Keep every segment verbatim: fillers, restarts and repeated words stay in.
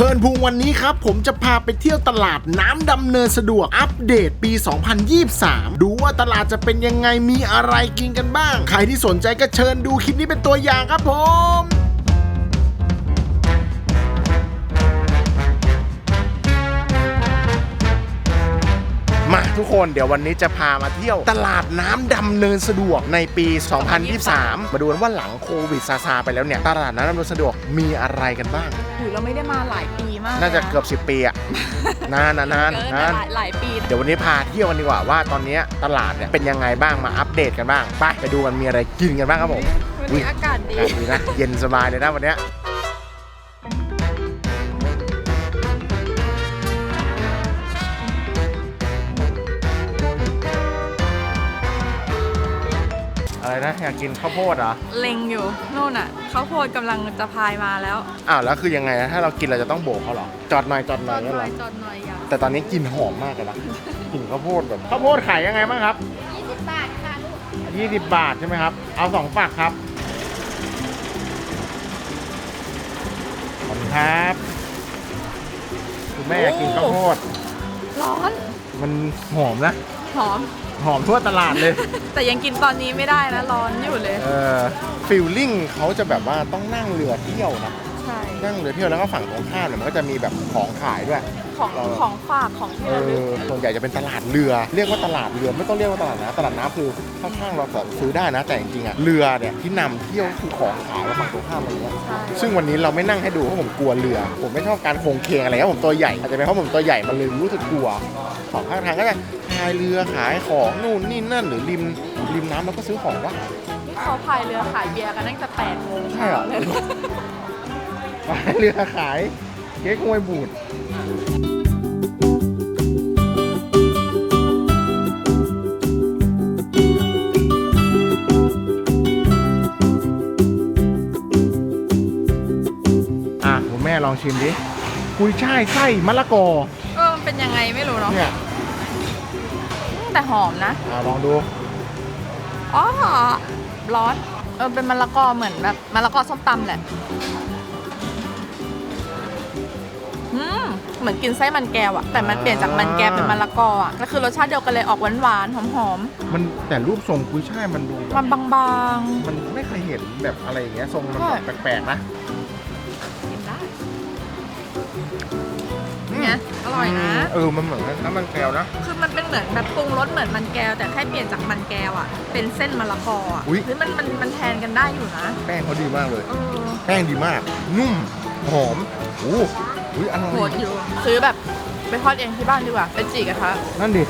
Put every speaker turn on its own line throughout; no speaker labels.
เพลินพุงวันนี้ครับผมจะพาไปเที่ยวตลาดน้ำดำเนินสะดวกอัปเดตปี สองพันยี่สิบสาม ดูว่าตลาดจะเป็นยังไงมีอะไรกินกันบ้างใครที่สนใจก็เชิญดูคลิปนี้เป็นตัวอย่างครับผมมาทุกคนเดี๋ยววันนี้จะพามาเที่ยวตลาดน้ำดำเนินสะดวกในปี สองพันยี่สิบสาม มาดูกันว่าหลังโควิดซาซาไปแล้วเนี่ยตลาดน้ำดำเนินสะดวกมีอะไรกันบ้าง
อยู่เราไม่ได้มาหลายปีมาก
น่าจะเกือบสิบปีอะนานนานนาน
หลายปี
เดี๋ยววันนี้พาเที่ยวกันดีกว่าว่าตอนนี้ตลาดเนี่ยเป็นยังไงบ้างมาอัปเดตกันบ้างไปไปดูกันมีอะไรกินกันบ้างครับผม
วันนี้อากาศดี
ดีนะเย็นสบายเลยนะวันนี้อะไรนะอยากกินข้าวโพดเหรอ
เล็งอยู่โน่นอ่ะข้าวโพดกำลังจะพายมาแล้ว
อ้าวแล้วคือยังไงนะถ้าเรากินเราจะต้องโบกเขาเหรอจอดหน่อยจอดหน่อย
จอดหน่อยจอดหน่อยอย่า
แต่ตอนนี้กลิ่นหอมมากเลยนะกลิ่นข้าวโพดแบบข้าวโพดขายยังไงบ้างครับ
ยี่สิบบาทค่ะลูก
ยี่สิบบาทใช่ไหมครับเอาสองฝักครับขอบคุณครับคุณแม่อยากกินข้าวโพด
ร้อน
มันหอมนะ
หอม
หอมทั่วตลาดเลย
แต่ยังกินตอนนี้ไม่ได้นะร้อนอยู่เลย
เออฟิลลิ่งเขาจะแบบว่าต้องนั่งเรือเที่ยวนะ
ใช่
นั่งเรือเที่ยวแล้วก็ฝั่งตรงข้ามเนี่ยมันก็จะมีแบบของขายด้วย
ของของฝากของที่ระลึก
ส่วนใหญ่จะเป็นตลาดเรือเรียกว่าตลาดเรือไม่ต้องเรียกว่าตลาดน้ำตลาดน้ำคือข้างๆเราซื้อได้นะแต่จริงๆอ่ะเรือเนี่ยที่นำเที่ยวคือของขายแล้วฝั่งตรงข้ามอะไรเงี้ยซึ่งวันนี้เราไม่นั่งให้ดูเพราะผมกลัวเรือผมไม่ชอบการโค้งเคงอะไรครับผมตัวใหญ่อาจจะเป็นเพราะผมตัวใหญ่มันเลยรู้สึกกลัวของข้างทางก็จะพายเรือขายของนู่นนี่นั่นหรือริมริมน้ำแล้วก็ซื้อของวะ
นี่เขาพายเรือขายเบียร์กันตั้งแต่แปดโมง
ใช่เหรอพายเรือขายเก๊กฮวยบูดอ่ะผมแม่ลองชิมดิกุยช่ายไส้มะละกอ
เออมันเป็นยังไงไม่รู้เนาะ
เนี่ย
แต่หอมนะ
อ่ะลองดู
อ๋อร้อนเออเป็นมะละกอเหมือนแบบมะละกอส้มตำแหละอืมเหมือนกินไส้มันแก้วอะแต่มันเปลี่ยนจากมันแก้วเป็นมะละกออะก็คือรสชาติเดียวกันเลยออกหวานๆหอม
ๆมันแต่รูปทรงกุยช่ายมันดู
มันบาง
ๆมันไม่เคยเห็นแบบอะไรอย่างเงี้ยทรงมันแปลกๆนะ
กินได้เนี่ยอร่อยนะ
เออมันเหมือนน้ำมันแก้วนะ
คือมันเป็นเหมือนแบบปรุงรสเหมือนมันแก้วแต่แค่เปลี่ยนจากมันแก้วอะเป็นเส้นมะละกออะหรือมันมันมันแทนกันได้อยู่นะ
แป้งเขาดีมากเลยแป้งดีมากนุ่มหอมโอ้ยอร่อย
โหดอยู่ซื้อแบบไปทอดเองที่บ้านดีกว่าเป็นจีกระทะ
นั่นดิ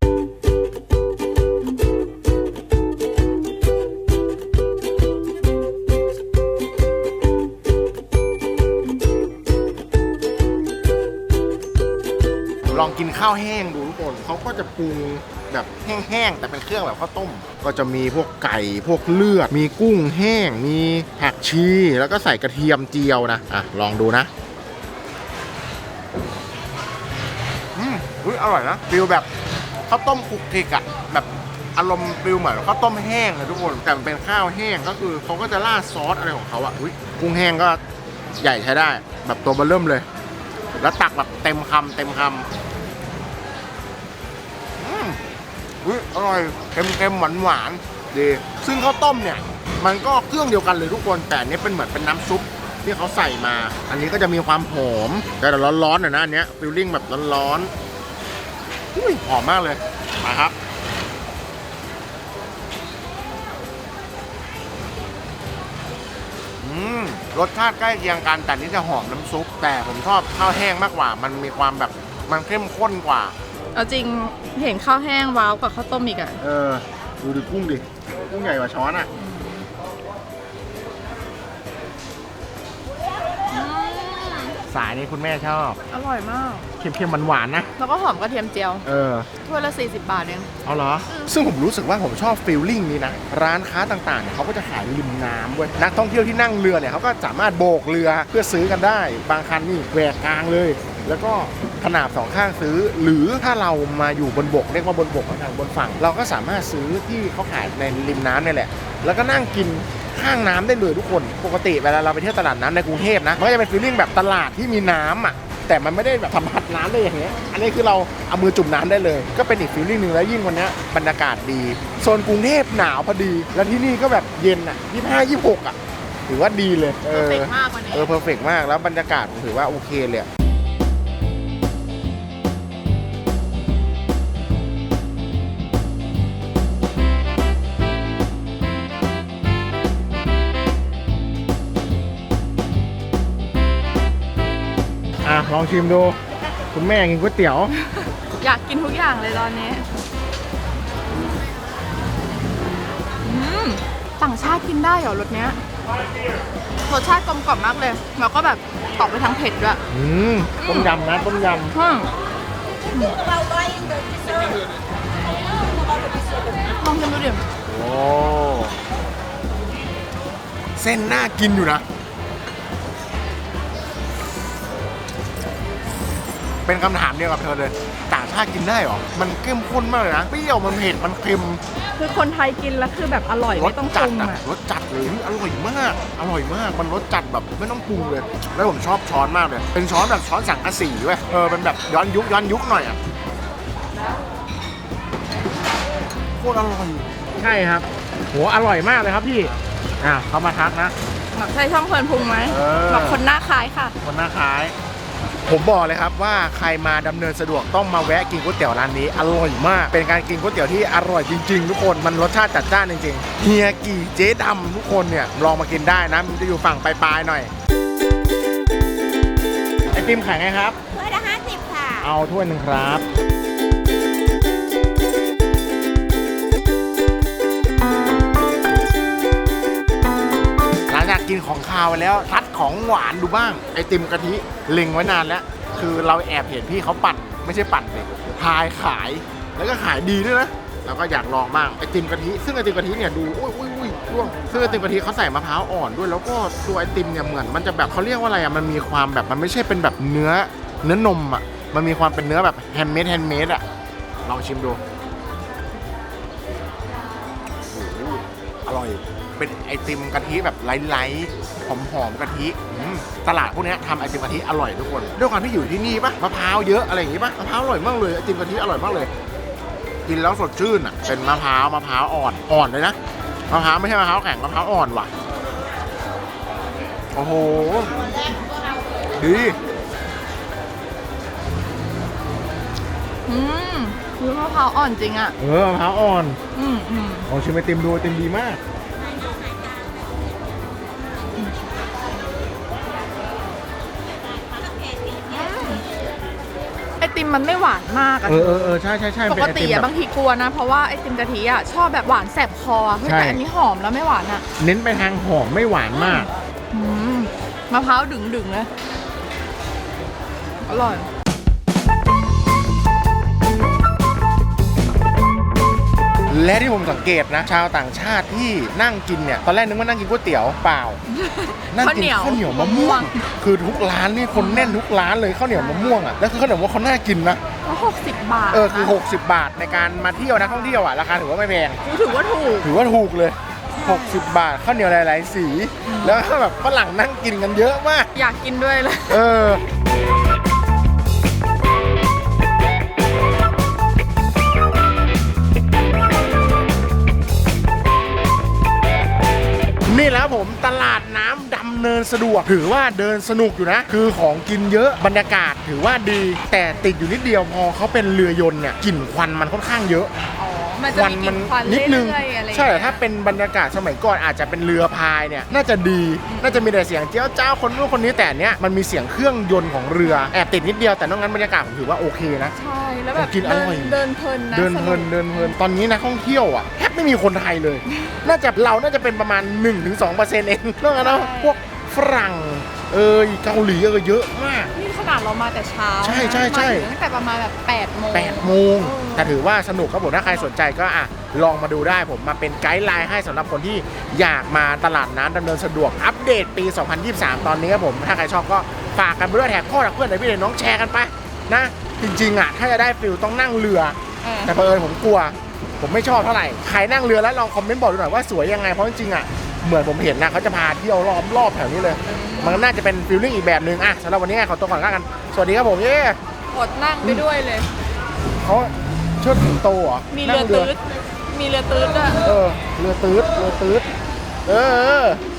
ลองกินข้าวแห้งดูทุกคนเขาก็จะปรุงแบบแห้งๆแต่เป็นเครื่องแบบข้าวต้มก็จะมีพวกไก่พวกเลือดมีกุ้งแห้งมีผักชีแล้วก็ใส่กระเทียมเจียวนะอ่ะลองดูนะอืมอุ้ยอร่อยนะฟิลแบบข้าวต้มคลุกคลิกอะแบบอารมณ์ฟิลเหมือนข้าวต้มแห้งเลยทุกคนแต่มันเป็นข้าวแห้งก็คือเขาก็จะราดซอสอะไรของเขาอะอุ้ยกุ้งแห้งก็ใหญ่ใช้ได้แบบตัวเบอร์เริ่มเลยแล้วตักแบบเต็มคำเต็มคำอุ้ยอร่อยเค็มๆหวานๆดีซึ่งข้าวต้มเนี่ยมันก็เครื่องเดียวกันเลยทุกคนแต่อันนี้เป็นเหมือนเป็นน้ำซุปที่เขาใส่มาอันนี้ก็จะมีความหอมแต่ร้อนๆหน่อยนะอันเนี้ยฟิลลิ่งแบบร้อนๆอุ้ยหอมมากเลยมาครับอืมรสชาติใกล้เคียงกันแต่นี้จะหอมน้ำซุปแต่ผมชอบข้าวแห้งมากกว่ามันมีความแบบมันเข้มข้นกว่า
เอาจริงเห็นข้าวแห้งว้าวกว่าข้าวต้มอีกอ่ะ
เออดูดิกุ้งดิกุ้งใหญ่กว่าช้อนอ่ะสายนี้คุณแม่ชอบ
อร่อยมาก
เค็มๆหวานๆนะ
แล้วก็หอมกระเทียมเจียว
เออ
ถ้วยละสี่สิบบาทเอง
เอาเหรอซึ่งผมรู้สึกว่าผมชอบฟีลลิ่งนี้นะร้านค้าต่างๆเนี่ยเขาก็จะขายริมน้ำเว้ยนักท่องเที่ยวที่นั่งเรือเนี่ยเขาก็สามารถโบกเรือเพื่อซื้อกันได้บางคันนี่แหวกกลางเลยแล้วก็ขนาบสองข้างซื้อหรือถ้าเรามาอยู่บนบกเรียกว่าบนบกทางบนฝั่งเราก็สามารถซื้อที่เขาขายในริมน้ำนี่แหละแล้วก็นั่งกินขข้างน้ำได้เลยทุกคนปกติเวลาเราไปเที่ยวตลาดน้ำในกรุงเทพนะมันก็จะเป็นฟีลลิ่งแบบตลาดที่มีน้ำอ่ะแต่มันไม่ได้แบบสัมผัสน้ำได้อย่างเงี้ยอันนี้คือเราเอามือจุ่มน้ำได้เลยก็เป็นอีกฟีลลิ่งหนึ่งแล้วยิ่งวันนี้บรรยากาศดีโซนกรุงเทพหนาวพอดีแล้วที่นี่ก็แบบเย็นอ่ะยี่สิบห้า ยี่สิบหกอ่ะถือว่าดีเลยเอ
เพอร์
อ
เฟกต์มากกว่านี้
เออเพอร์เฟกต์มากแล้วบรรยากาศผมถือว่าโอเคเลยอะอ่ะลองชิมดูคุณแม่กินก๋วยเตี๋ยว
อยากกินทุกอย่างเลยตอนนี้อืมต่างชาติกินได้เหรอรสเนี้ยรสชาติกลมกล่อมมากเลยแล้วก็แบบตอกไปทางเผ็ดด้วย
อืมต้มยำนะต้มย
อืมลองชิมดูดิ
ำโอ้เส้นน่ากินอยู่นะเป็นคำถามเดียวกับเธอเลยต่างชาติกินได้เหรอมันเข้มข้นมากเลยนะเปรี้ยวมันเผ็ดมันเค็ม
คือคนไทยกินแล้วคือแบบอร่อย
ร
ไม่
ส
ต้องป
จั
รุ
ด
ง
อะ
อ่ะ
รสจัดเลยอร่อยมากอร่อยมากมันรสจัดแบบไม่ต้องปรุงเลยแล้วผมชอบช้อนมากเลยเป็นช้อนแบบช้อนสังกะสีเว้ยเออเป็นแบบย้อนยุคย้อนยุคหน่อยอ่ะโคตรอร่อยใช่ครับโหอร่อยมากเลยครับพี่อ่ะเขามาทักนะ
แบบใช่ช่องเพลินพุงไหม
เออ
แบบคนหน้าคล้ายค่ะ
คนหน้าคล้าย ผมบอกเลยครับว่าใครมาดำเนินสะดวกต้องมาแวะกินก๋วยเตี๋ยวร้านนี้อร่อยมาก เป็นการกินก๋วยเตี๋ยวที่อร่อยจริงๆทุกคนมันรสชาติจัดจ้านจริงๆเฮียกี่เจ๊ดำทุกคนเนี่ยลองมากินได้นะมันจะอยู่ฝั่งปลายๆหน่อยไอติมขายไงครับ
ถ้วยละห้าสิบค่ะ
เอาถ้วยหนึ่งครับหลังจากกินของคาวไปแล้วทัดของหวานดูบ้างไอติมกะทิเล็งไว้นานแล้วคือเราแอบเห็นพี่เขาปั่นไม่ใช่ปั่นเลยพายขายแล้วก็ขายดีด้วยนะเราก็อยากลองบ้างไอติมกะทิซึ่งไอติมกะทิเนี่ยดูอุ้ยอุ้ยอุ้ยร่วงซึ่งไอติมกะทิเขาใส่มะพร้าวอ่อนด้วยแล้วก็ตัวไอติมเนี่ยเหมือนมันจะแบบเขาเรียกว่าอะไรอ่ะมันมีความแบบมันไม่ใช่เป็นแบบเนื้อเนื้อนมอ่ะมันมีความเป็นเนื้อแบบแฮนด์เมดแฮนด์เมดอ่ะลองชิมดูโอ้โหอร่อยเป็นไอติมกะทิแบบไร้ๆหอมๆกะทิอืมตลาดพวกเนี้ยทำไอติมกะทิอร่อยทุกคนด้วยความที่อยู่ที่นี่ปะมะพร้าวเยอะอะไรอย่างงี้ปะมะพร้าวอร่อยมากเลยไอติมกะทิอร่อยมากเลยกินแล้วสดชื่นอ่ะเป็นมะพร้าวมะพร้าวอ่อนอ่อนเลยนะมะพร้าวไม่ใช่มะพร้าวแข็งมะพร้าวอ่อนว่ะโอ้โหดี
อืมคือมะพร้าวอ่อนจริงอ่ะ
เออมะพร้าวอ่อน
อืมอืม
ลองชิมไอติมดูไอติมดีมาก
ไอติมมันไม่หวานมากอะ
เออเออเออใช่ใช่ใช่
ป
เป็น
ก
ไอ
ติ
ติม
อะ
แบบ
บางทีกลัวนะ เพราะว่าไอติมกะทิอะชอบแบบหวานแสบคออะเฮ้ย
ใช่
แต่อันนี้หอมแล้วไม่หวานอะ
เน้นไปทางหอมไม่หวานมาก
อืมมะพร้าวดึงๆเลยอร่อย
และที่ผมสังเกตนะ ชาวต่างชาติที่นั่งกินเนี่ยตอนแรกนึกว่านั่งกินก๋วยเตี๋ยวเปล่า นั่งกินข้าวเหนียวมะม่วง คือทุกร้านนี่คนแน่นทุกร้านเลยข้าวเหนียวมะม่วงอ่ะแล้วคือข้าวเหนียวมะม่วงเขาน่ากินนะ
แล้วหกสิบบาท
เออคือ
นะ
หกสิบบาทในการมาเที่ยวนักท่องเที่ยวอ่ะราคาถือว่าไม่แพง
ถือว่าถูก
ถือว่าถูกเลยหกสิบบาทข้าวเหนียวหลายๆสี แล้วก็แบบฝรั่งนั่งกินกันเยอะมาก
อยากกินด้วยเลย
เออนี่แล้วผมตลาดน้ำดำเนินสะดวกถือว่าเดินสนุกอยู่นะ คือของกินเยอะบรรยากาศถือว่าดี แต่ติดอยู่นิดเดียวพอเขาเป็นเรือยนต์เนี่ยกลิ่นควันมันค่อนข้างเยอะ
อ๋อ มันจะมีกลิ่นควัน
นิดนึง
เรื่อยๆอะไรอย่าง
ใช่
เงี้ย
แต่ถ้าเป็นบรรยากาศสมัยก่อนอาจจะเป็นเรือพายเนี่ยน่าจะดี น่าจะมีแต่เสียงเจ้าเจ้าคนนู้นคนนี้แต่เนี้ยมันมีเสียงเครื่องยนต์ของเรือแอบติดนิดเดียวแต่นอกนั้นบรรยากาศผมถือว่าโอเคนะ
ใช่ แล้วแบบ
กินอ
เดิ
ร่อย
นเดินเพลินนะ
เดินเพลิน
สก
เดินเพลินตอนนี้นักท่องเที่ยวอ่ะแทบไม่มีคนไทยเลย น่าจะเราน่าจะเป็นประมาณ หนึ่งถึงสองเปอร์เซ็นต์ เองนอกจากนั้นพวกฝรั่งเอยเกาหลีเออเยอะมาก
นี่ขนาดเรามาแต่เช้า
ใช่ใช่ใช่
มาถึงตั้งแต่ประมาณแบบแปดโมง
แปดโมงแต่ถือว่าสนุกครับผมถ้าใครสนใจก็อ่ะลองมาดูได้ผมมาเป็นไกด์ไลน์ให้สำหรับคนที่อยากมาตลาดน้ำดำเนินสะดวกอัปเดตปี สองพันยี่สิบสาม ตอนนี้ครับผมถ้าใครชอบก็ฝากกันไปด้วยแท็กพ่อแท็กเพื่อนแท็กพี่แท็กน้องแชร์กันไปนะจริงๆอ่ะถ้าจะได้ฟิลต้องนั่งเรือ
เออ
แต่เผอิญผมกลัว ผมไม่ชอบเท่าไหร่ใครนั่งเรือแล้วลองคอมเมนต์บอกดูหน่อยว่าสวยยังไงเพราะจริงๆอ่ะเหมือนผมเห็นนะเขาจะพาเที่ยวรอบรอบแถวนี้เลย มันน่าจะเป็นฟีลลิ่งอีกแบบหนึ่งอะสำหรับวันนี้ขอตัวก่อนแล้วกันสวัสดีครับผมเย้
อดนั่งไปด้วยเลย
เขาเชิดสิงโตเหรอ
มีเรือ
นั่ง
ตืดมีเรือตืดด้วย
เออเรือตืดเรือตืดเออ